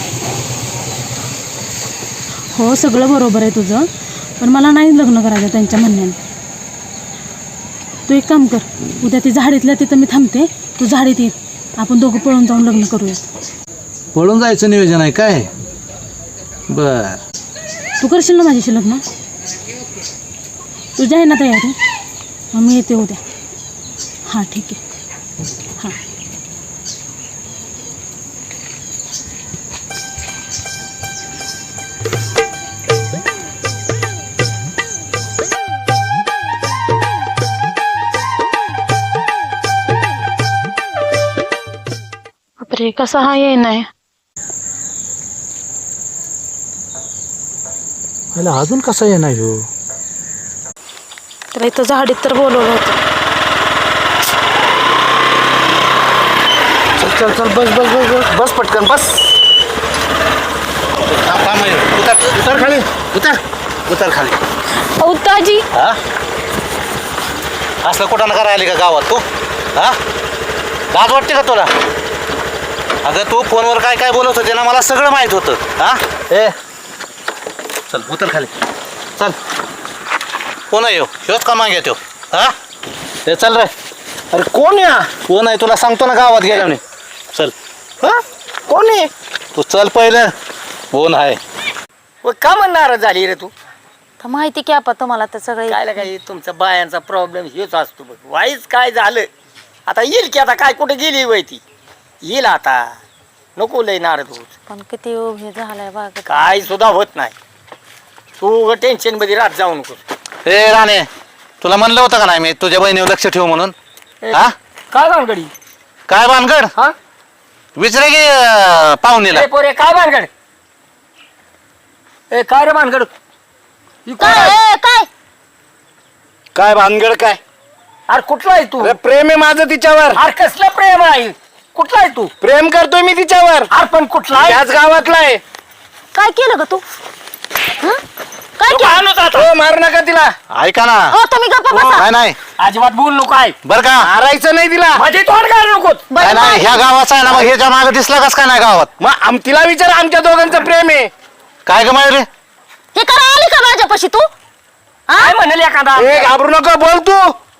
Speaker 7: हो सगळं बरोबर आहे तुझं, पण मला नाही लग्न करायचं त्यांच्या म्हणण्यानं. तू एक काम कर, उद्या ती झाडीतल्या तिथं मी थांबते, तू झाडीत ये, आपण दोघं पळून जाऊन लग्न करूया.
Speaker 4: पळून जायचं नियोजन आहे काय? बर,
Speaker 7: तू करशील ना माझ्याशी लग्न? तुझ्या आहे ना तयारी? मग मी येते उद्या. हां ठीक आहे. हां बापरे, कसा हा ये नाही.
Speaker 4: अजून कसा येणार हो?
Speaker 7: तर इथं झाडीत तर बोलवलं होतं.
Speaker 3: चल चल चल बस बस बस बस बस पटकन बस.
Speaker 4: उतर उतर खाली, उतर उतर खाली.
Speaker 7: अहो दाजी,
Speaker 4: हा असलं कुठं नका राहिली का गावात तू? हा लाज वाटते का तुला? अगं तू फोनवर काय काय बोलत होते ना, मला सगळं माहित होतं. हा ए चल उतर खाली, चल. कोण आहे ह्योच का मागे तो? हा ते चल रे.
Speaker 3: अरे कोण या?
Speaker 4: कोण आहे तुला सांगतो ना गावात गेल्या म्हणे. चल.
Speaker 3: हा कोण आहे?
Speaker 4: तू चल पहिलं. कोण आहे?
Speaker 8: व का म्हणणार झाली रे तू?
Speaker 2: तर माहिती की आपण तुम्हाला तर सगळे
Speaker 8: काय काय तुमचा बायांचा प्रॉब्लेम हेच असतो बघ. वाईच काय झालं आता येईल की, आता काय कुठे गेली वय ती येईल आता. नको लय नारद होत,
Speaker 2: पण किती उभे झालाय बाग.
Speaker 8: काय सुद्धा होत नाही. तू टेन्शन मध्ये राहत जाऊ नको.
Speaker 4: ए राणे, तुला म्हणलं होतं का नाही मी तुझ्या बहिणीवर लक्ष ठेव म्हणून? हा
Speaker 8: काय भानगडी?
Speaker 4: काय भानगड?
Speaker 8: हा
Speaker 4: विचारे की अं, पाहुणीला.
Speaker 8: ए पोरे काय भानगड? ए काय रे भानगड? ही कोण
Speaker 2: काय
Speaker 8: आहे?
Speaker 2: ए, काय
Speaker 3: काय भानगड काय?
Speaker 8: अरे कुठला आहे तू?
Speaker 3: अरे प्रेम आहे माझं तिच्यावर.
Speaker 8: अरे कसलं प्रेम आहे? कुठला आहे तू?
Speaker 3: प्रेम करतोय मी तिच्यावर.
Speaker 8: अरे पण कुठला आहे?
Speaker 3: याच गावातला आहे.
Speaker 2: काय केलं ग तू? हं? काय
Speaker 8: तू
Speaker 2: केलं?
Speaker 8: आणूच आता.
Speaker 3: हो मारू नका तिला.
Speaker 4: ऐका ना.
Speaker 2: हो तुम्ही गप्पा बसा.
Speaker 4: नाही नाही
Speaker 8: अजिबात बोल नको आहे.
Speaker 4: बर का?
Speaker 3: मारायचं नाही तिला.
Speaker 8: माझे तोंड काय नको.
Speaker 2: बरं,
Speaker 4: काय नाही
Speaker 2: बरं.
Speaker 4: ह्या गावाचा आहे ना, मग ह्याच्या मागे दिसला कस काय नाही गावात?
Speaker 3: मग आम तिला विचार, आमच्या दोघांचं प्रेम आहे.
Speaker 4: काय ग रे?
Speaker 2: हे करा आली का माझ्यापाशी तू? हा?
Speaker 8: काय म्हणेल एखादा?
Speaker 3: ए घाबरू नको, बोल तू.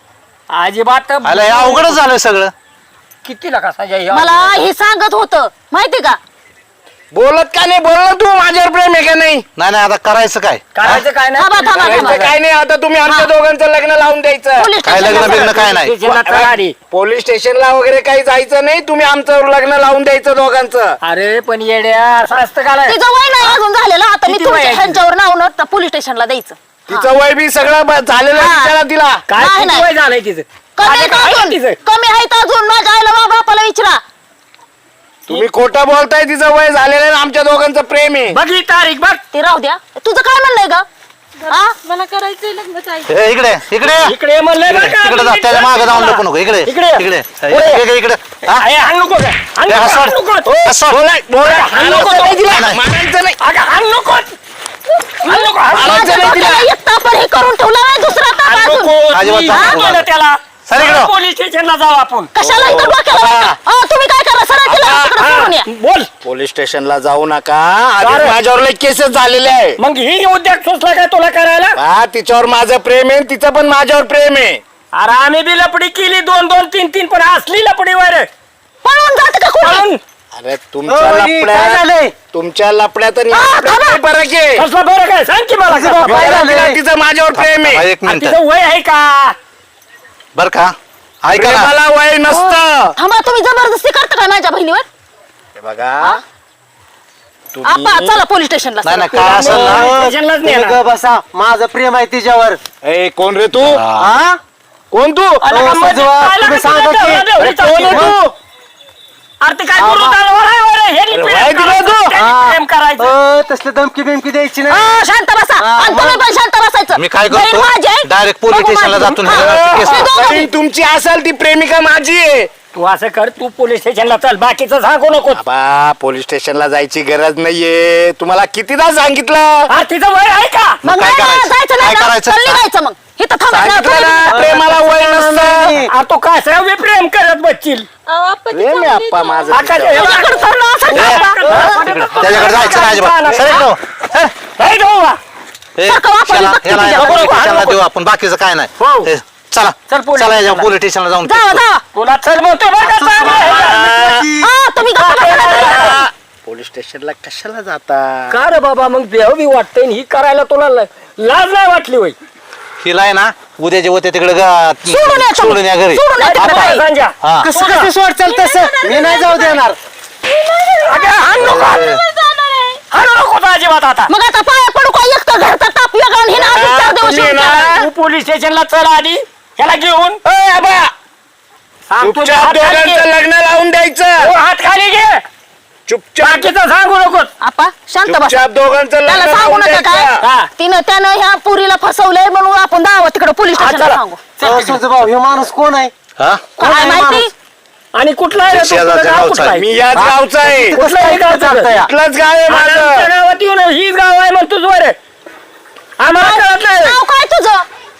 Speaker 8: अजिबात
Speaker 4: आलं हे अवघडच झालं सगळं.
Speaker 8: किती लका सजाय
Speaker 2: मला हे सांगत होतं माहिती का?
Speaker 3: बोलत का नाही? बोल ना तू, माझ्यावर प्रेम आहे का नाही?
Speaker 4: नाही नाही आता करायचं काय?
Speaker 8: करायचं काय
Speaker 2: थांबा थांबा
Speaker 3: करायचं
Speaker 2: थांबा.
Speaker 3: काय नाही. आता तुम्ही आमच्या दोघांचं लग्न लावून द्यायचं.
Speaker 2: पोलीस
Speaker 4: काय लग्न
Speaker 2: स्टेशनला
Speaker 4: बिग्न काय नाही.
Speaker 8: नाही.
Speaker 3: पोलीस स्टेशनला वगैरे काही जायचं नाही. तुम्ही आमचं लग्न लावून द्यायचं दोघांचं.
Speaker 8: अरे पण येड्या असं असतं का रे?
Speaker 2: तिचं वय नाही अजून झालेलं. आता मी
Speaker 8: किती
Speaker 2: तुमच्या
Speaker 8: वय आहे
Speaker 2: ह्यांच्यावर नाव न पोलीस स्टेशनला द्यायचं.
Speaker 3: तिचं वय बी सगळं ब- झालेलं आहे.
Speaker 2: हा.
Speaker 3: विचारा तिला.
Speaker 8: काय
Speaker 2: नाही,
Speaker 8: किती
Speaker 2: नाही.
Speaker 8: वय झालंय तिचं?
Speaker 2: कमी
Speaker 8: माझ्या
Speaker 2: आहेत
Speaker 8: काय
Speaker 2: अजून
Speaker 8: तिचं?
Speaker 2: कमी आहेत अजून. माझ्या आईला मा बापाला विचारा.
Speaker 3: तुम्ही खोटं बोलताय. तिचं वय झालेलं आहे. आमच्या दोघांचं प्रेम आहे.
Speaker 8: बघ ही तारीख बघ.
Speaker 2: ते राहू द्या. तुझं काय म्हणणंय ग? हा?
Speaker 7: मला करायचंय लग्न ताई.
Speaker 4: ए, इकडे इकडे
Speaker 8: इकडे म्हणलंय बरं का?
Speaker 4: इकडे जा, त्याच्या मागे जाऊन नको नको. इकडे
Speaker 8: इकडे.
Speaker 4: इकडे
Speaker 8: पुढे.
Speaker 4: इकडे इकडे हा?
Speaker 8: अरे, हाण नको का? हाण
Speaker 4: ए,
Speaker 8: नको,
Speaker 4: हसवड.
Speaker 8: हाण नको.
Speaker 4: ओ, हसवड.
Speaker 8: बोला, हाण नको तो.
Speaker 4: नाही, नाही.
Speaker 3: मारायचं नाही.
Speaker 8: अगं, हाण नको. हाण नको, हाण नको.
Speaker 3: मारायचं नाही तिला.
Speaker 2: डोक्याला एक तापर हे करून ठेवला नाही दुसरा ताप
Speaker 8: हाण
Speaker 2: अजून.
Speaker 8: नको.
Speaker 4: अजिबात
Speaker 8: मी
Speaker 4: हाण
Speaker 8: हाण
Speaker 4: नको.
Speaker 8: केलं त्याला.
Speaker 4: सर, इकडं.
Speaker 8: सरळ पोलीस स्टेशनला जाऊ आपण.
Speaker 2: कशाला इथं डोक्याला
Speaker 3: हा.
Speaker 2: वाटतं? अहो, तुम्ही काय करा सरळ तिला तिकडं सोडून या.
Speaker 8: बोल.
Speaker 3: पोलीस स्टेशनला जाऊ नका.
Speaker 8: का रे?
Speaker 3: आधी माझ्यावर लई केसेस झालेले आहे.
Speaker 8: मग ही उद्योग सुचला काय तुला करायला?
Speaker 3: हा, तिच्यावर माझं प्रेम आहे. तिचं पण माझ्यावर प्रेम आहे.
Speaker 8: अरे आम्ही बी लपडी केली दोन दोन तीन तीन, पण असली लपडी वर
Speaker 2: पळून जात का कोणी?
Speaker 3: अरे तुमच्या लपड्यात तुमच्या लपड्यात आणि
Speaker 2: हा,
Speaker 3: लपड्यात
Speaker 2: थांबा.
Speaker 3: काही फरक आहे.
Speaker 8: कसलं बरं काय सांग की मला कसलं
Speaker 3: मी
Speaker 8: बरं
Speaker 3: तिला-
Speaker 8: झालंय?
Speaker 3: तिचं माझ्यावर प्रेम
Speaker 4: हा,
Speaker 3: आहे.
Speaker 4: एक
Speaker 8: आणि
Speaker 4: मिनिट
Speaker 8: तिचं वय आहे का?
Speaker 4: बर का? ऐका ना.
Speaker 3: प्रेमाला वय नसतं.
Speaker 2: थांबा, तुम्ही जबरदस्ती करता का माझ्या बहिणीवर?
Speaker 3: हे बघा
Speaker 2: आपा चला पोलीस स्टेशनला.
Speaker 4: नाही नाही काय असेल ना.
Speaker 8: स्टेशनलाच नेणार.
Speaker 6: तुम्ही ग बसा. माझं प्रेम आहे तिच्यावर.
Speaker 3: ए कोण रे तू?
Speaker 6: हा?
Speaker 3: कोण तू?
Speaker 8: अरे
Speaker 6: अहो,
Speaker 8: का मध्ये
Speaker 6: सजवा,
Speaker 8: काय
Speaker 6: तुम्ही
Speaker 8: लागलं
Speaker 6: सांगा
Speaker 8: तुला?
Speaker 6: की-
Speaker 8: तेवढं-
Speaker 3: अरे
Speaker 8: तेवढं
Speaker 3: कोण आहे
Speaker 8: चालू.
Speaker 3: तू?
Speaker 8: अरे ते काय करू दारावर आहे वर? हे नी
Speaker 3: अरे
Speaker 8: प्रेम
Speaker 3: वाय दिलं
Speaker 8: करायचं,
Speaker 3: तू?
Speaker 8: त्याने
Speaker 6: हा.
Speaker 8: प्रेम करायचं.
Speaker 6: अ, तसले धमकी बिमकी द्यायची नाही.
Speaker 2: हा, शांत बसा. आणि तुम्ही पण शांत बसायचं.
Speaker 4: मी काय
Speaker 2: बहीण
Speaker 4: करतो
Speaker 2: माझी आहे.
Speaker 4: डायरेक्ट पोलीस
Speaker 2: बघू
Speaker 4: स्टेशनला
Speaker 2: माझी.
Speaker 4: जातो
Speaker 2: हा.
Speaker 4: ना. केस
Speaker 2: हे दोघं
Speaker 3: बहीण तुमची असेल ती प्रेमिका माझी आहे.
Speaker 8: तू असं कर, तू पोलीस स्टेशनला चल, बाकीचं सांगू नको.
Speaker 3: बाबा पोलीस स्टेशनला जायची गरज नाहीये, तुम्हाला कितीदा सांगितलं.
Speaker 8: हा, तिचं वय आहे का?
Speaker 2: मग
Speaker 4: काय
Speaker 2: नाही ना,
Speaker 4: करायचं?
Speaker 2: जायचं
Speaker 4: काय
Speaker 2: नाही ना.
Speaker 4: करायचं?
Speaker 2: चल निघायचं मग इथं थांबायचं
Speaker 3: सांगितलं ना,
Speaker 2: नाही.
Speaker 3: प्रेमाला वय नसतं.
Speaker 8: आ, तू काय वे प्रेम करत बसशील?
Speaker 3: प्रेम आहे आप्पा माझं
Speaker 8: आकाश, हे
Speaker 3: तिच्यावर.
Speaker 8: बघ.
Speaker 2: तुझ्याकडे चाललो असं का?
Speaker 4: त्याच्याकडे जायचं नाही अजिबात. सर जाऊ.
Speaker 8: नाही जाऊ बा.
Speaker 4: ए,
Speaker 2: सारखं वापरलं
Speaker 4: याला-
Speaker 2: बघते
Speaker 4: याला-
Speaker 2: तुझ्या
Speaker 4: याला
Speaker 8: बरोबर.
Speaker 4: पोलीस स्टेशनला देऊ आपण, बाकीचं काय नाही.
Speaker 8: हो.
Speaker 4: ए, चला
Speaker 8: चल पोलीस
Speaker 4: चला याच्या
Speaker 8: स्टेशनला.
Speaker 4: पोलीस स्टेशनला जाऊन
Speaker 2: जावा जावा
Speaker 8: तुला चल म्हणतो बरं का, चांगलं.
Speaker 2: हा, तुम्ही गप्पा बसा.
Speaker 3: पोलीस स्टेशनला कशाला जाता?
Speaker 8: का रे बाबा, मग देव बी वाटतंय आणि ही करायला तुला ल- लाज नाही वाटली वय?
Speaker 4: हिला आहे ना उद्याच्या होते तिकडे गा-
Speaker 2: सोडून या तुम्ही.
Speaker 4: सोडून या घरी.
Speaker 2: सोडून या तिकडे.
Speaker 8: काय सांजा?
Speaker 4: हा
Speaker 6: कसं कसं सोड चल तसं मी नाही जाऊ देणार.
Speaker 8: अगं, हाण नको. हाणू नको तर अजिबात आता.
Speaker 2: मग आता पाया पडू का एकटं घरचा ताप वेगळा आणि हिनं अजून चार दिवस
Speaker 8: तुम्ही
Speaker 2: येऊन
Speaker 8: ना,
Speaker 2: गेला.
Speaker 8: तू पोलीस स्टेशनला चल आधी, ह्याला घेऊन. ए, आबा. सांग तुझे
Speaker 3: चुपचाप
Speaker 8: हात खाली घे.
Speaker 3: दोघांचं लग्न लावून द्यायचं.
Speaker 8: हो, हात खाली घे.
Speaker 3: चुपचाप
Speaker 8: बाकीचं सांगू नकोस.
Speaker 2: आपा शांत बस.
Speaker 3: चुपचाप दोघांचं लग्न
Speaker 2: त्याला सांगू
Speaker 3: लावून
Speaker 2: नका काय
Speaker 3: द्यायचं.
Speaker 8: हा.
Speaker 2: तिनं त्यानं ह्या पुरीला फसवलंय म्हणून आपण दावा तिकडे पोलीस
Speaker 8: हा,
Speaker 2: स्टेशनला
Speaker 8: चला.
Speaker 2: सांगू
Speaker 6: अहो, सुजभाऊ हे माणूस कोण आहे?
Speaker 4: हा
Speaker 2: काय माहिती
Speaker 8: आणि कुठला आहे रे तो? तुझं
Speaker 4: शेजारच्या
Speaker 8: गाव
Speaker 4: गावचा
Speaker 8: कुठलं आहे?
Speaker 3: मी याच
Speaker 8: हा?
Speaker 3: गावचा आहे.
Speaker 8: कुठलं आहे गाव तुझं?
Speaker 3: इथलंच गाव आहे
Speaker 8: आमच्या
Speaker 3: माझं.
Speaker 8: गावात येऊन हीच गाव आहे मग तुझं रे. आम्हाला कळत नाही.
Speaker 2: नाव काय तुझं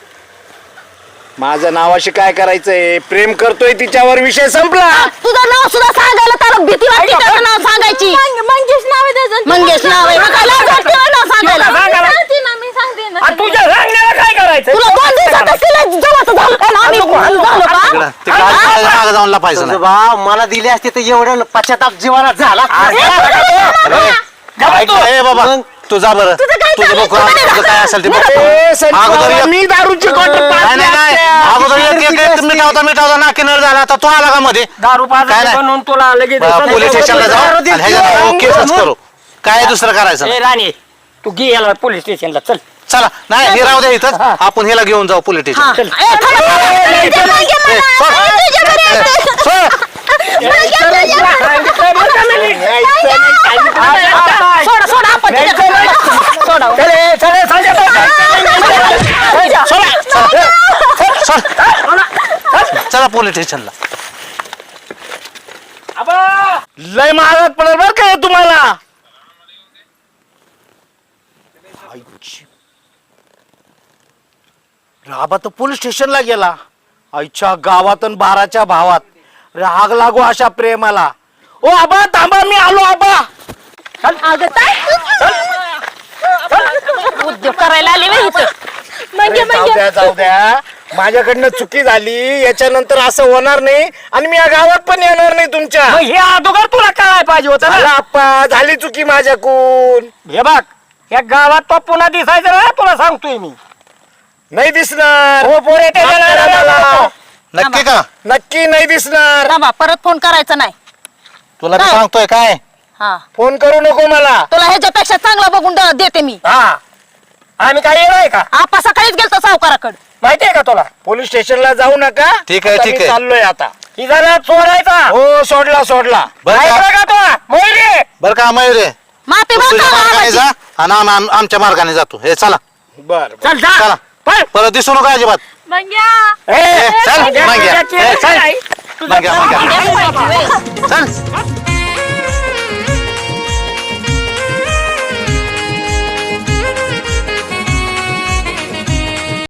Speaker 3: माझं नावाशी काय करायचंय? प्रेम करतोय तिच्यावर, विषय संपला.
Speaker 2: तुझं नाव सुद्धा सांगायला त्याला भीती वाटते त्याचं नाव सांगायची मंगेश नाव आहे त्याचं मंगेश नाव आहे मग काय लाज वाटते ना नाव सांगायला
Speaker 8: आणि तुझ्या सांगण्याला काय करायचं?
Speaker 2: तुला दोन दिवसात तिला जवळ झालं का ना आम्ही झालो का
Speaker 4: तिकडं ते काय मागे जाऊन लपायचं नाही.
Speaker 6: सुजभाऊ मला दिली असते तर एवढं पश्चाताप जीवाला झाला.
Speaker 4: ऐक ना, ए बाबा तू जा बरं,
Speaker 2: तुझं काय
Speaker 4: तुझं
Speaker 2: चाललंय?
Speaker 4: बघ
Speaker 2: तुझं
Speaker 4: तुझं काय असेल ते बघ.
Speaker 3: ए, संजू
Speaker 4: अगोदर
Speaker 3: बाबा,
Speaker 4: एक-
Speaker 3: मी दारूची कॉन्ट्रॅक्ट
Speaker 4: नाही नाही नाही अगोदर एक एक एक मिटावता मिटावता नाकीनर झाला, आता तू आला का मध्ये?
Speaker 8: दारू
Speaker 4: काय
Speaker 8: पाजायचं
Speaker 4: नाही.
Speaker 8: म्हणून तुला लगेच
Speaker 4: बा- पोलीस स्टेशनला जाऊ
Speaker 8: दारू
Speaker 4: आणि
Speaker 8: दिली.
Speaker 4: ह्याच्यात हो, केसच करू. काय दुसरं करायचं
Speaker 8: ए
Speaker 4: नाही.
Speaker 8: राणी, तू घे याला पोलीस स्टेशनला चल.
Speaker 4: चला नाही हे राहू द्या इथंच, आपण ह्याला घेऊन जाऊ पोलीस स्टेशन.
Speaker 2: हा. ए, थांबा, थांबा. तुझ्या मागे मला.
Speaker 4: ए, सोड.
Speaker 2: ए, तुझ्या घरी येते.
Speaker 4: सोड.
Speaker 2: सोडा सोडा आपण तिच्या घरी. सोडा
Speaker 8: चल, ए, चल, ए, संजय, चल, चल.
Speaker 4: चला पोलीस स्टेशनला.
Speaker 8: आबा.
Speaker 3: लय महागात पडेल बरं काय तुम्हाला. राबा तर पोलीस स्टेशनला गेला. आईच्या गावात आणि बाराच्या भावात राग लागू अशा प्रेमाला. ओ आबा थांबा, मी आलो आबा.
Speaker 2: अगं ताई. उद्योग करायला आले बाई इथं
Speaker 3: अरे, जाऊ द्या जाऊ द्या, माझ्याकडनं चुकी झाली. याच्यानंतर असं होणार नाही आणि मी या गावात पण येणार नाही तुमच्या.
Speaker 8: मग हे अगोदर तुला कळायला पाहिजे होतं
Speaker 3: झालं
Speaker 8: ना.
Speaker 3: आप्पा, झाली चुकी माझ्याकून.
Speaker 8: हे बघ, या गावात तो पुन्हा दिसायचं ना, तुला सांगतोय मी.
Speaker 3: नाही दिसणार.
Speaker 8: हो पोरे, ते
Speaker 3: माफ करा मला.
Speaker 4: नक्की का?
Speaker 3: नक्की नाही दिसणार.
Speaker 2: थांबा परत फोन करायचा नाही
Speaker 4: तुला मी
Speaker 2: काय?
Speaker 4: सांगतोय काय.
Speaker 2: हा
Speaker 3: फोन करू नको मला.
Speaker 2: तुला ह्याच्यापेक्षा चांगला बघून द- देते मी
Speaker 8: हा, आम्ही काय येणार का?
Speaker 2: आपा सकाळीच गेलतो सावकाराकडे
Speaker 8: माहितीये का तुला?
Speaker 3: पोलीस स्टेशनला जाऊ नका.
Speaker 4: ठीक आहे,
Speaker 3: आता
Speaker 4: ठीक
Speaker 3: मी
Speaker 4: आहे.
Speaker 3: चाललोय आता.
Speaker 8: ही जरा चोरायचा.
Speaker 3: हो सोडला सोडला.
Speaker 4: बरं
Speaker 8: ऐकलं
Speaker 4: का
Speaker 8: का तुला? मोहिरे.
Speaker 4: बरं का मयुरे,
Speaker 2: माफी
Speaker 4: तू तुझ्या मार्गाने
Speaker 2: मागतो
Speaker 4: जा आणि आम्ही आम- आमच्या मार्गाने जातो. हे चला
Speaker 3: बर
Speaker 8: चल जा.
Speaker 4: चला.
Speaker 8: पळ.
Speaker 4: परत दिसू नका अजिबात.
Speaker 8: ए,
Speaker 4: ए, चल,
Speaker 8: चल,
Speaker 4: मागे.
Speaker 8: चल,
Speaker 4: ए,
Speaker 8: चल.
Speaker 4: मागे, मागे. चल